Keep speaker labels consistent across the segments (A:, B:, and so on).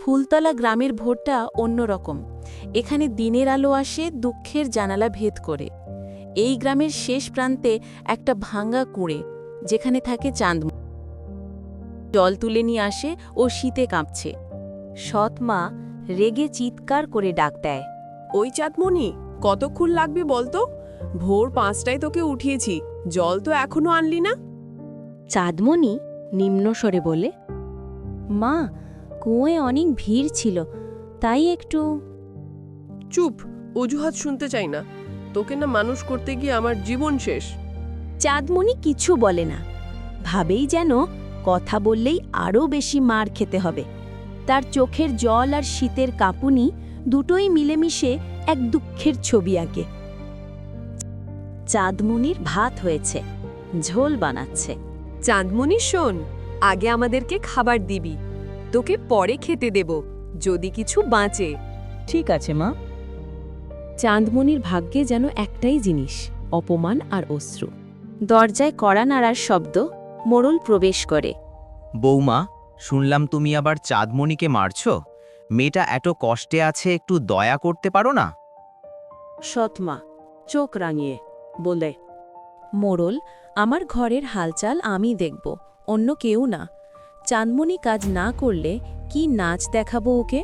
A: ফুলতলা গ্রামের ভোরটা অন্যরকম। এখানে দিনের আলো আসে দুঃখের জানালা ভেদ করে। এই গ্রামের শেষ প্রান্তে একটা ভাঙা কুঁড়ে, যেখানে থাকে চাঁদ। জল তুলে নিয়ে আসে ও শীতে কাঁপছে।
B: সৎ মা রেগে চিৎকার করে ডাক দেয়।
C: ওই চাঁদমণি, কতক্ষণ লাগবে বলতো? ভোর 5টায় তোকে উঠিয়েছি, জল তো এখনো আনলি না।
B: চাঁদমণি নিম্নস্বরে বলে, মা, কুঁয়োয় অনেক ভিড় ছিল, তাই একটু।
C: চুপ, অজুহাত শুনতে চাই না। তোকে না মানুষ করতে গিয়ে আমার জীবন শেষ।
B: চাঁদমণি কিছু বলে না, ভাবেই যেন কথা বললেই আরও বেশি মার খেতে হবে। তার চোখের জল আর শীতের কাঁপুনি দুটোই মিলেমিশে এক দুঃখের ছবি আঁকে। চাঁদমণির ভাত হয়েছে, ঝোল বানাচ্ছে।
D: চাঁদমণি শোন, আগে আমাদেরকে খাবার দিবি, তোকে পরে খেতে দেব যদি কিছু বাঁচে।
E: ঠিক আছে মা।
A: চাঁদমণির ভাগ্যে যেন একটাই জিনিস, অপমান আর অশ্রু।
B: দরজায় কড়া নাড়ার শব্দ, মোড়ল প্রবেশ করে।
F: বৌমা, শুনলাম তুমি আবার চাঁদমণিকে মারছ। মেয়েটা এত কষ্টে আছে, একটু দয়া করতে পারো না?
A: সৎমা চোখ রাঙিয়ে বলে, মোড়ল, আমার ঘরের হালচাল আমি দেখব, অন্য কেউ না। চাঁদমণি কাজ না করলে কি নাচ দেখাবো ওকে?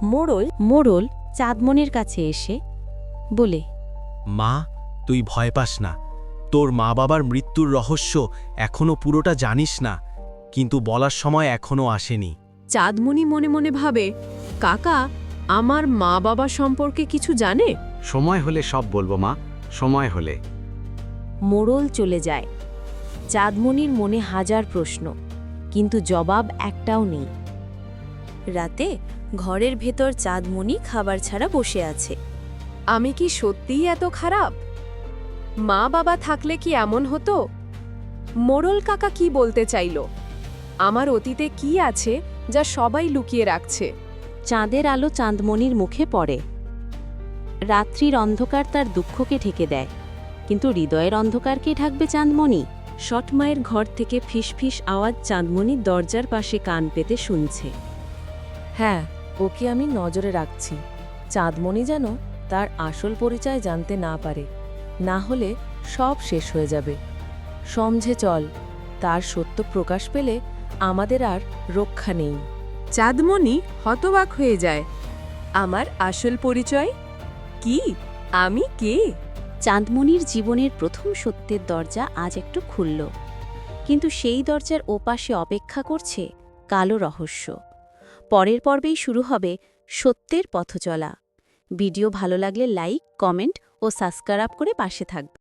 B: মোড়ল চাঁদমণির কাছে এসে বলে,
G: মা, তুই ভয় পাস না। তোর মা বাবার মৃত্যুর রহস্য এখনো পুরোটা জানিস না, কিন্তু বলার সময় এখনো আসেনি।
C: চাঁদমণি মনে মনে ভাবে, কাকা আমার মা বাবা সম্পর্কে কিছু জানে?
H: সময় হলে সব বলবো মা, সময় হলে।
B: মোড়ল চলে যায়। চাঁদমণির মনে হাজার প্রশ্ন, কিন্তু জবাব একটাও নেই। রাতে ঘরের ভেতর চাঁদমণি খাবার ছাড়া বসে আছে।
D: আমি কি সত্যিই এত খারাপ? মা বাবা থাকলে কি এমন হতো? মোড়ল কাকা কি বলতে চাইল? আমার অতীতে কি আছে যা সবাই লুকিয়ে রাখছে?
B: চাঁদের আলো চাঁদমণির মুখে পড়ে। রাত্রির অন্ধকার তার দুঃখকে ঢেকে দেয়, কিন্তু হৃদয়ের অন্ধকারকে ঢাকবে চাঁদমণি?
A: সৎমায়ের ঘর থেকে ফিসফিস আওয়াজ চাঁদমণির দরজার পাশে কান পেতে শুনছে। হ্যাঁ, ওকে আমি নজরে রাখছি। চাঁদমণি যেন তার আসল পরিচয় জানতে না পারে, না হলে সব শেষ হয়ে যাবে। সমঝে চল, তার সত্য প্রকাশ পেলে আমাদের আর রক্ষা নেই।
C: চাঁদমণি হতবাক হয়ে যায়।
D: আমার আসল পরিচয় কি? আমি কে?
B: চাঁদমণির জীবনের প্রথম সত্যের দরজা আজ একটু খুলল, কিন্তু সেই দরজার ওপাশে অপেক্ষা করছে কালো রহস্য। পরের পর্বেই শুরু হবে সত্যের পথচলা। ভিডিও ভালো লাগলে লাইক, কমেন্ট ও সাবস্ক্রাইব করে পাশে থাকবে।